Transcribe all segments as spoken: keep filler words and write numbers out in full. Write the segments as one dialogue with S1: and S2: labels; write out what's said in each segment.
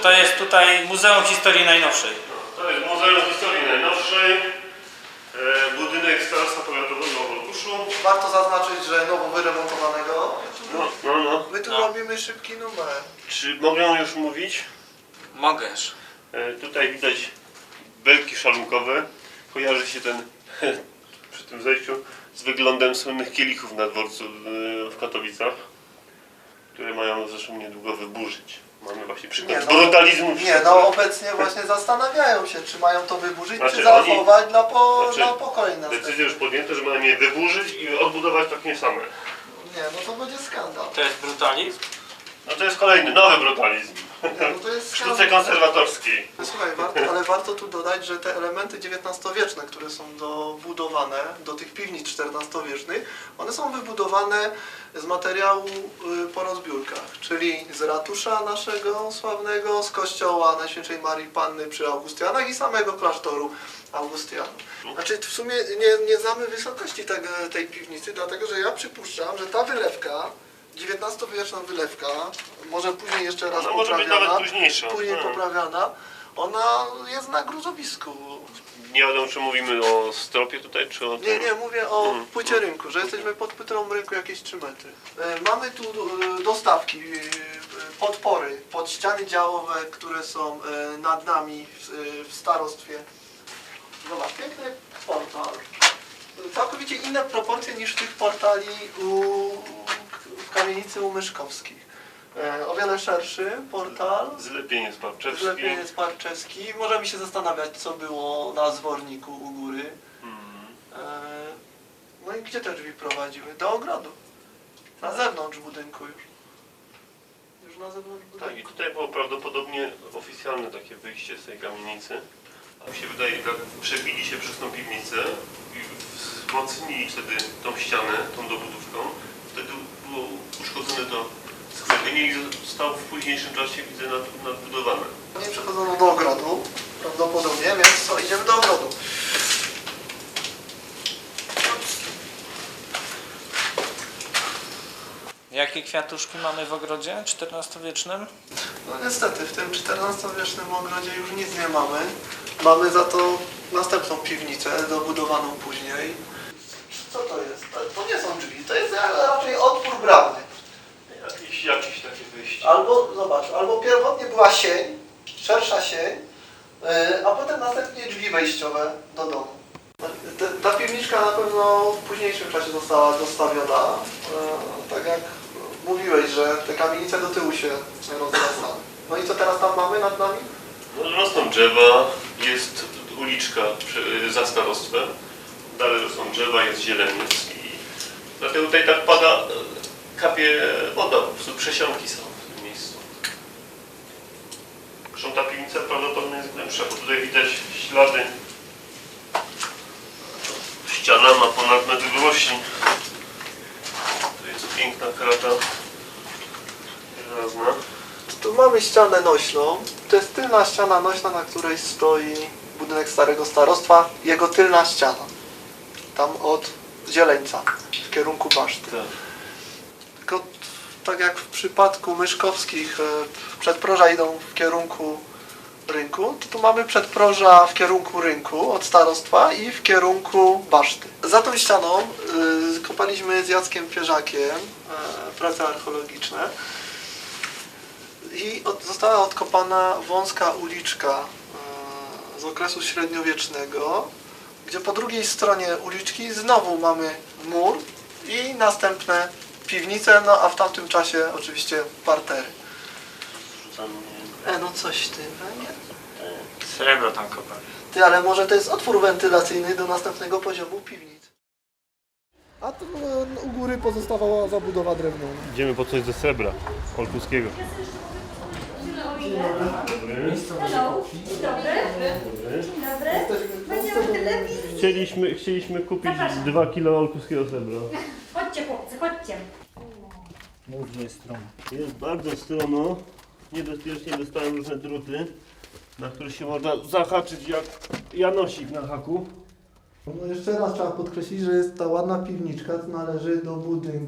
S1: to jest tutaj Muzeum Historii Najnowszej.
S2: No, to jest Muzeum Historii Najnowszej. E, budynek Starostwa Powiatowego w Olkuszu.
S3: Warto zaznaczyć, że nowo wyremontowanego.
S2: No, no, no.
S3: My tu
S1: No.
S3: robimy szybki numer.
S2: Czy mogę już mówić?
S1: Mogesz.
S2: E, tutaj widać belki szalunkowe. Kojarzy się ten przy tym zejściu z wyglądem słynnych kielichów na dworcu w Katowicach, które mają zresztą niedługo wyburzyć. Mamy właśnie przykład
S3: Nie, no,
S2: brutalizmu.
S3: Nie, no obecnie właśnie zastanawiają się, czy mają to wyburzyć,
S2: Znaczy,
S3: czy zachować
S2: oni,
S3: dla, po,
S2: znaczy,
S3: dla pokoju następnego.
S2: decyzję już podjęto, że mają je wyburzyć i odbudować takie same.
S3: Nie, no to będzie skandal.
S1: To jest brutalizm?
S2: No to jest kolejny, nowy brutalizm.
S3: Nie, no to jest
S2: W sztuce
S3: skandal.
S2: konserwatorskiej.
S3: Słuchaj, warto, ale warto tu dodać, że te elementy dziewiętnastowieczne, które są dobudowane do tych piwnic czternastowiecznych, one są wybudowane z materiału y, po rozbiórkach, czyli z ratusza naszego sławnego, z kościoła Najświętszej Marii Panny przy Augustianach i samego klasztoru Augustianów. Znaczy w sumie nie, nie znamy wysokości tego, tej piwnicy, dlatego że ja przypuszczam, że ta wylewka, dziewiętnastowieczna wylewka, może później jeszcze raz
S2: Ona może być
S3: poprawiana,
S2: nawet późniejsza.
S3: później
S2: Hmm.
S3: poprawiana, ona jest na gruzowisku.
S2: Nie wiadomo, czy mówimy o stropie tutaj, czy o tym.
S3: Nie, nie, mówię o
S2: Hmm.
S3: płycie rynku, że jesteśmy pod płytą rynku jakieś trzy metry. E, Mamy tu e, dostawki, e, podpory pod ściany działowe, które są e, nad nami w, e, w starostwie. Zobacz, piękny portal. Całkowicie inne proporcje niż tych portali u, w kamienicy u Myszkowskich. E, o wiele szerszy portal.
S2: Zlepienie sparczewskie.
S3: Zlepienie Sparczewski. Możemy się zastanawiać, co było na zworniku u góry.
S2: Hmm.
S3: E, No i gdzie te drzwi prowadziły? Do ogrodu. Na zewnątrz budynku już. Już na zewnątrz budynku.
S2: Tak, i tutaj było prawdopodobnie oficjalne takie wyjście z tej kamienicy. A mi się wydaje, że przebili się przez tą piwnicę i wzmocnili wtedy tą ścianę, tą dobudówką. Wtedy było uszkodzone to skrzywienie i zostało w późniejszym czasie, widzę, nad, nadbudowane.
S3: Nie przechodzono do ogrodu, prawdopodobnie, więc co, idziemy do ogrodu.
S1: Jakie kwiatuszki mamy w ogrodzie czternastowiecznym?
S3: No niestety, w tym czternastowiecznym ogrodzie już nic nie mamy. Mamy za to następną piwnicę, dobudowaną później. Co to jest? To, to nie są drzwi, to jest raczej otwór bramny.
S2: Jakieś, jakieś takie wyjście.
S3: Albo, zobacz, albo pierwotnie była sień, szersza sień, yy, a potem następnie drzwi wejściowe do domu. Ta, ta piwniczka na pewno w późniejszym czasie została dostawiona, yy, tak jak mówiłeś, że te kamienice do tyłu się rozrastały. No i co teraz tam mamy nad nami?
S2: No, rosną drzewa, jest uliczka przy, za starostwem, dalej rosną drzewa, jest zieleniec i dlatego tutaj tak pada, kapie woda, po prostu przesiąki są w tym miejscu. Zresztą ta piwnica prawdopodobnie jest głębsza, bo tutaj widać ślady. Ściana ma ponad metr długości. To jest piękna krata żelazna.
S3: Tu mamy ścianę nośną. To jest tylna ściana nośna, na której stoi budynek Starego Starostwa. Jego tylna ściana. Tam od Zieleńca, w kierunku Baszty.
S2: Tak.
S3: Tylko tak jak w przypadku Myszkowskich przedproża idą w kierunku rynku, to tu mamy przedproża w kierunku rynku od starostwa i w kierunku Baszty. Za tą ścianą y, kopaliśmy z Jackiem Pierzakiem y, prace archeologiczne i od, została odkopana wąska uliczka y, z okresu średniowiecznego, gdzie po drugiej stronie uliczki znowu mamy mur i następne piwnice, no a w tamtym czasie oczywiście partery. E, no coś ty, węgiel?
S1: Srebro tam kopali.
S3: Ty, ale może to jest otwór wentylacyjny do następnego poziomu piwnic. A tu e, u góry pozostawała zabudowa drewniana.
S2: Idziemy po coś ze srebra olkuskiego.
S4: Hello, dzień dobry. Dzień dobry. Będziemy telewizji.
S2: Chcieliśmy, chcieliśmy kupić
S4: Zapraszam.
S2: dwa kilo olkuskiego srebra.
S4: Chodźcie chłopcy, chodźcie.
S2: Może jest strono. Jest bardzo strono. Niebezpiecznie dostałem różne druty, na które się można zahaczyć jak janosik na haku.
S3: No jeszcze raz trzeba podkreślić, że jest ta ładna piwniczka, to należy do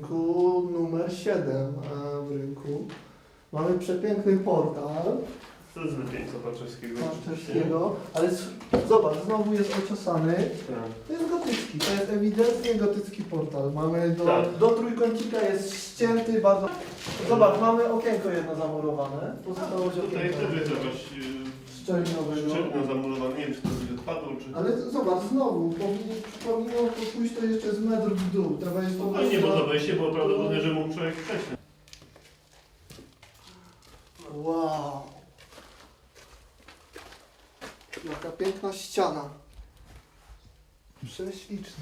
S3: budynku numer siedem w rynku. Mamy przepiękny portal.
S2: To jest lepiejca Barczewskiego.
S3: Barczewskiego, ale s- zobacz, znowu jest ociosany.
S2: Tak.
S3: To jest gotycki, to jest ewidentnie gotycki portal. Mamy do,
S2: Tak.
S3: do trójkącika jest ścięty bardzo. Zobacz, mamy okienko jedno zamurowane. Pozostało się
S2: Tutaj
S3: okienko
S2: też jest jakaś
S3: szczelinowego.
S2: szczelina zamurowana. Nie wiem, czy to będzie odpadło, czy...
S3: Ale zobacz, znowu, powinien, powinno to pójść to jeszcze z metr w dół. Trzeba jest po
S2: Fajnie, bo to
S3: prostu...
S2: wejście było prawdopodobne, że mógł człowiek przejść.
S3: Wow. Jaka piękna ściana. Prześliczna.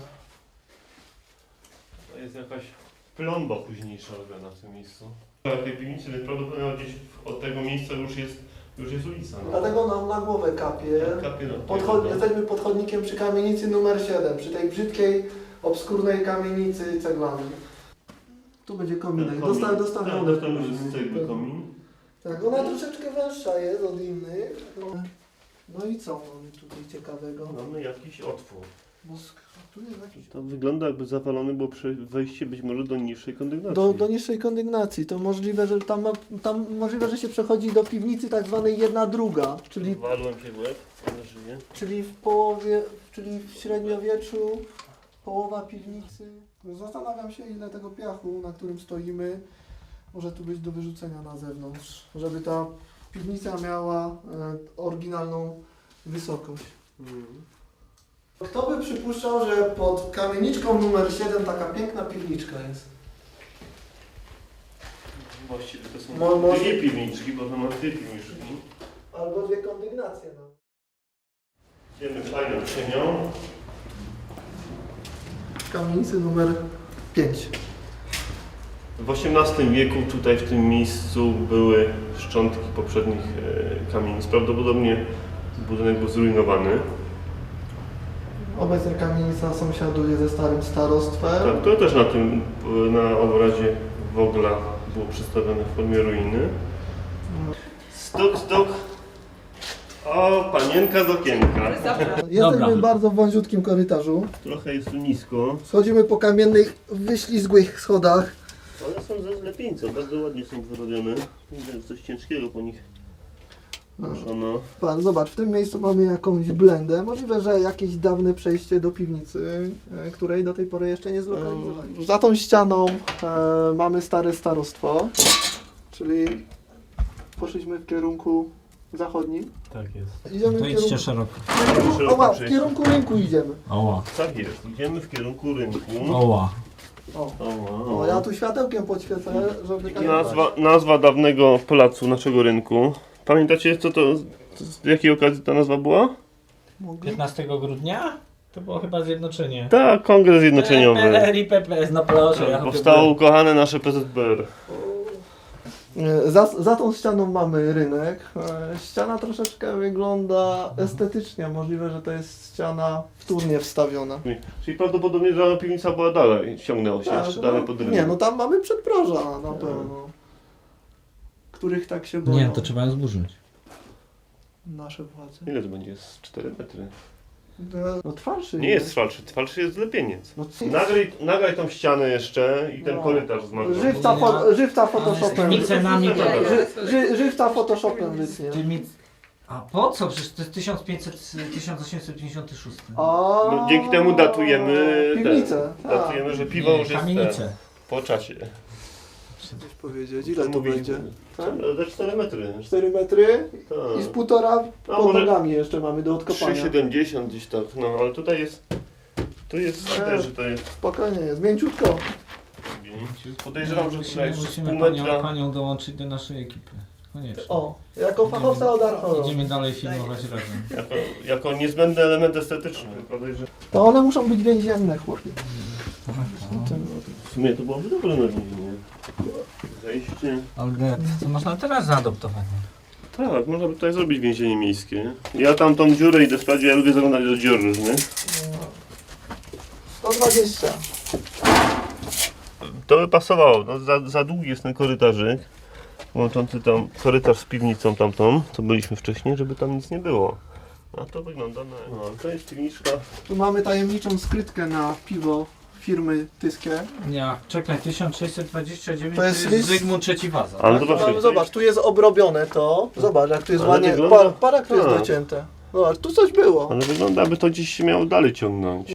S2: To jest jakaś plomba późniejsza robiona w tym miejscu. W tej piwnicy prawdopodobnie gdzieś od tego miejsca już jest, już jest ulica. No.
S3: Dlatego nam na głowę kapie.
S2: Kapie na
S3: Podchod... Jesteśmy pod chodnikiem przy kamienicy numer siedem, przy tej brzydkiej, obskurnej kamienicy ceglanej. Tu będzie kominek. Dosta... Dostawiony.
S2: Tak, tam już jest cegły komin.
S3: Tak, ona troszeczkę węższa jest od innych. No, no i co mamy tutaj ciekawego?
S2: Mamy jakiś otwór.
S3: No, sk- tu jest jakiś...
S2: To wygląda jakby zawalone było prze- wejście być może do niższej kondygnacji.
S3: Do, do niższej kondygnacji. To możliwe, że tam, ma, tam możliwe, że się przechodzi do piwnicy tak zwanej jedna druga, czyli,
S2: Walłem się w łeb, ale żyje.
S3: czyli w połowie, czyli w średniowieczu połowa piwnicy. Zastanawiam się, ile tego piachu, na którym stoimy, może tu być do wyrzucenia na zewnątrz, żeby ta piwnica miała e, oryginalną wysokość.
S2: Mhm.
S3: Kto by przypuszczał, że pod kamieniczką numer siedem taka piękna piwniczka jest?
S2: Właściwie to są
S3: Mo- może-
S2: dwie piwniczki, bo to ma dwie piwniczki.
S3: Albo dwie kondygnacje. No.
S2: Idziemy fajną cienią.
S3: Kamienicy numer pięć.
S2: W osiemnastym wieku tutaj w tym miejscu były szczątki poprzednich e, kamienic. Prawdopodobnie budynek był zrujnowany.
S3: Obecnie kamienica sąsiaduje ze starym starostwem.
S2: Tak, to też na tym, e, na obrazie Wogla było przedstawione w formie ruiny. Stok, stok. O, panienka z okienka.
S3: Jesteśmy
S5: Dobra.
S3: w bardzo wąziutkim korytarzu.
S2: Trochę jest tu nisko.
S3: Schodzimy po kamiennych, wyślizgłych schodach.
S2: One są ze zlepieńca, bardzo ładnie są wyrobione. Widać, że coś ciężkiego po nich ruszono.
S3: Pan, zobacz, w tym miejscu mamy jakąś blendę. Możliwe, że jakieś dawne przejście do piwnicy, e, której do tej pory jeszcze nie zlokalizowaliśmy. Za tą ścianą e, mamy stare starostwo, czyli poszliśmy w kierunku zachodnim.
S2: Tak jest.
S3: Idziemy
S5: To
S3: w
S5: idźcie
S3: kierunku...
S5: szeroko.
S3: O, wow, w kierunku rynku idziemy.
S5: Oła,
S2: Tak jest, idziemy w kierunku rynku.
S5: oła.
S3: O,
S2: O,
S3: o ja tu światełkiem podświecę, żeby... tak-
S2: Nazwa, nazwa dawnego placu naszego rynku. Pamiętacie, co to, z jakiej okazji ta nazwa była?
S3: Mogę?
S5: piętnastego grudnia? To było chyba zjednoczenie.
S2: Tak, Kongres Zjednoczeniowy.
S5: P L R i P P S, no proszę. ja
S2: Powstało ukochane nasze P Z P R.
S3: E, Za, za tą ścianą mamy rynek. E, Ściana troszeczkę wygląda estetycznie. Możliwe, że to jest ściana wtórnie wstawiona.
S2: Czyli prawdopodobnie ta piwnica była dalej, ciągnęło się jeszcze dalej pod rynek.
S3: nie, no tam mamy przedproża na pewno. Których tak się boją
S5: Nie, to trzeba ją zburzyć.
S3: nasze władze.
S2: Ile to będzie? Z cztery metry.
S3: No twarszy
S2: Nie jest falszy, falszy jest lepieniec.
S3: No, co-
S2: Nagraj, nagraj tą ścianę jeszcze i ten
S3: No.
S2: korytarz zmarł.
S3: Żywca, fo, żywca Photoshopem.
S5: Z cenami to...
S3: Ży, ży, żywca Photoshopem wytnie.
S5: Ty mi... A po co? Przecież to jest tysiąc pięćset, tysiąc osiemset pięćdziesiąty szósty.
S3: A,
S2: No, dzięki temu datujemy
S3: piwnicę.
S2: ten,
S3: tak.
S2: datujemy, że piwo już jest
S5: Kamienicę.
S2: ten, po czasie.
S3: Coś powiedzieć, ile to
S2: Mówiliśmy.
S3: będzie? Tak?
S2: Za cztery metry.
S3: cztery metry
S2: Tak.
S3: i z półtora
S2: A
S3: pod
S2: może
S3: nogami jeszcze mamy do odkopania.
S2: trzy siedemdziesiąt gdzieś tak, no ale tutaj jest, tu jest,
S3: Nie.
S2: też, że to jest,
S3: Spokojnie jest, mięciutko.
S2: podejrzewam, że tutaj
S5: Musimy,
S2: jest z
S5: musimy
S2: pół
S5: panią,
S2: metra.
S5: panią dołączyć do naszej ekipy. Koniecznie.
S3: O, jako fachowca od archeologii.
S5: Idziemy dalej filmować razem.
S2: Jako, jako niezbędny element estetyczny. Podejrzewam.
S3: To one muszą być więzienne, chłopie.
S2: W sumie to byłoby dobre na więzienie. Zejście.
S5: Olga, to można teraz zaadoptować.
S2: Tak, można by tutaj zrobić więzienie miejskie. Ja tam tą dziurę idę sprawdzić, ja lubię zaglądać do dziur różnych.
S3: sto dwadzieścia.
S2: To by pasowało, no, za, za długi jest ten korytarzyk. Łączący tam korytarz z piwnicą tamtą, co byliśmy wcześniej, żeby tam nic nie było. A to wygląda na... No, to jest piwniczka.
S3: Tu mamy tajemniczą skrytkę na piwo firmy Tyskie.
S5: Nie, czekaj, tysiąc sześćset dwadzieścia dziewięć
S3: To
S5: to
S3: jest
S5: jest,
S3: list-
S5: Zygmunt trzeci Waza.
S2: Ale
S5: tak?
S2: zobaczcie,
S3: No, zobacz, tu jest obrobione to. Zobacz, jak tu jest
S2: Ale
S3: ładnie.
S2: wygląda-
S3: Pa, parak tu jest
S2: tak.
S3: docięte. Zobacz, tu coś było.
S2: Ale wygląda, aby to gdzieś się miało dalej ciągnąć.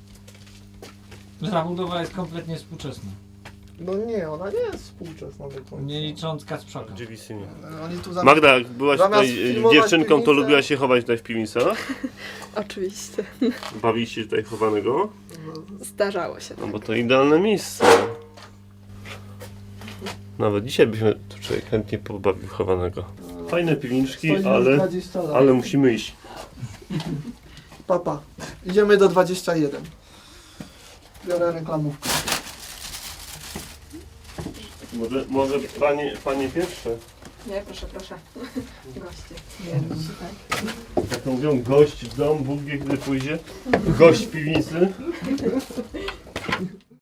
S5: Zabudowa jest kompletnie współczesna.
S3: No nie, ona nie jest współczesna do końca.
S5: Nie licząc Kacprzaka.
S2: Dziewicymie.
S3: Oni tu zamiast...
S2: Magda, jak byłaś
S3: Zamiast
S2: tutaj e,
S3: filmować
S2: dziewczynką, to
S3: piwnicę-
S2: lubiłaś się chować tutaj w piwnicach?
S6: Oczywiście.
S2: Bawiliście się tutaj chowanego?
S6: Zdarzało się.
S2: No bo to idealne miejsce. Nawet dzisiaj byśmy tu człowiek chętnie pobawił chowanego. Fajne piwniczki,
S3: Stoimy
S2: ale,
S3: dwadzieścia lat.
S2: ale musimy iść.
S3: Papa, idziemy do dwadzieścia jeden. Biorę reklamówkę.
S2: Może, może panie, panie pierwsze?
S6: Nie, proszę, proszę. Goście.
S2: Jak to mówią, gość w dom, Bóg wie kiedy pójdzie. Gość w piwnicy.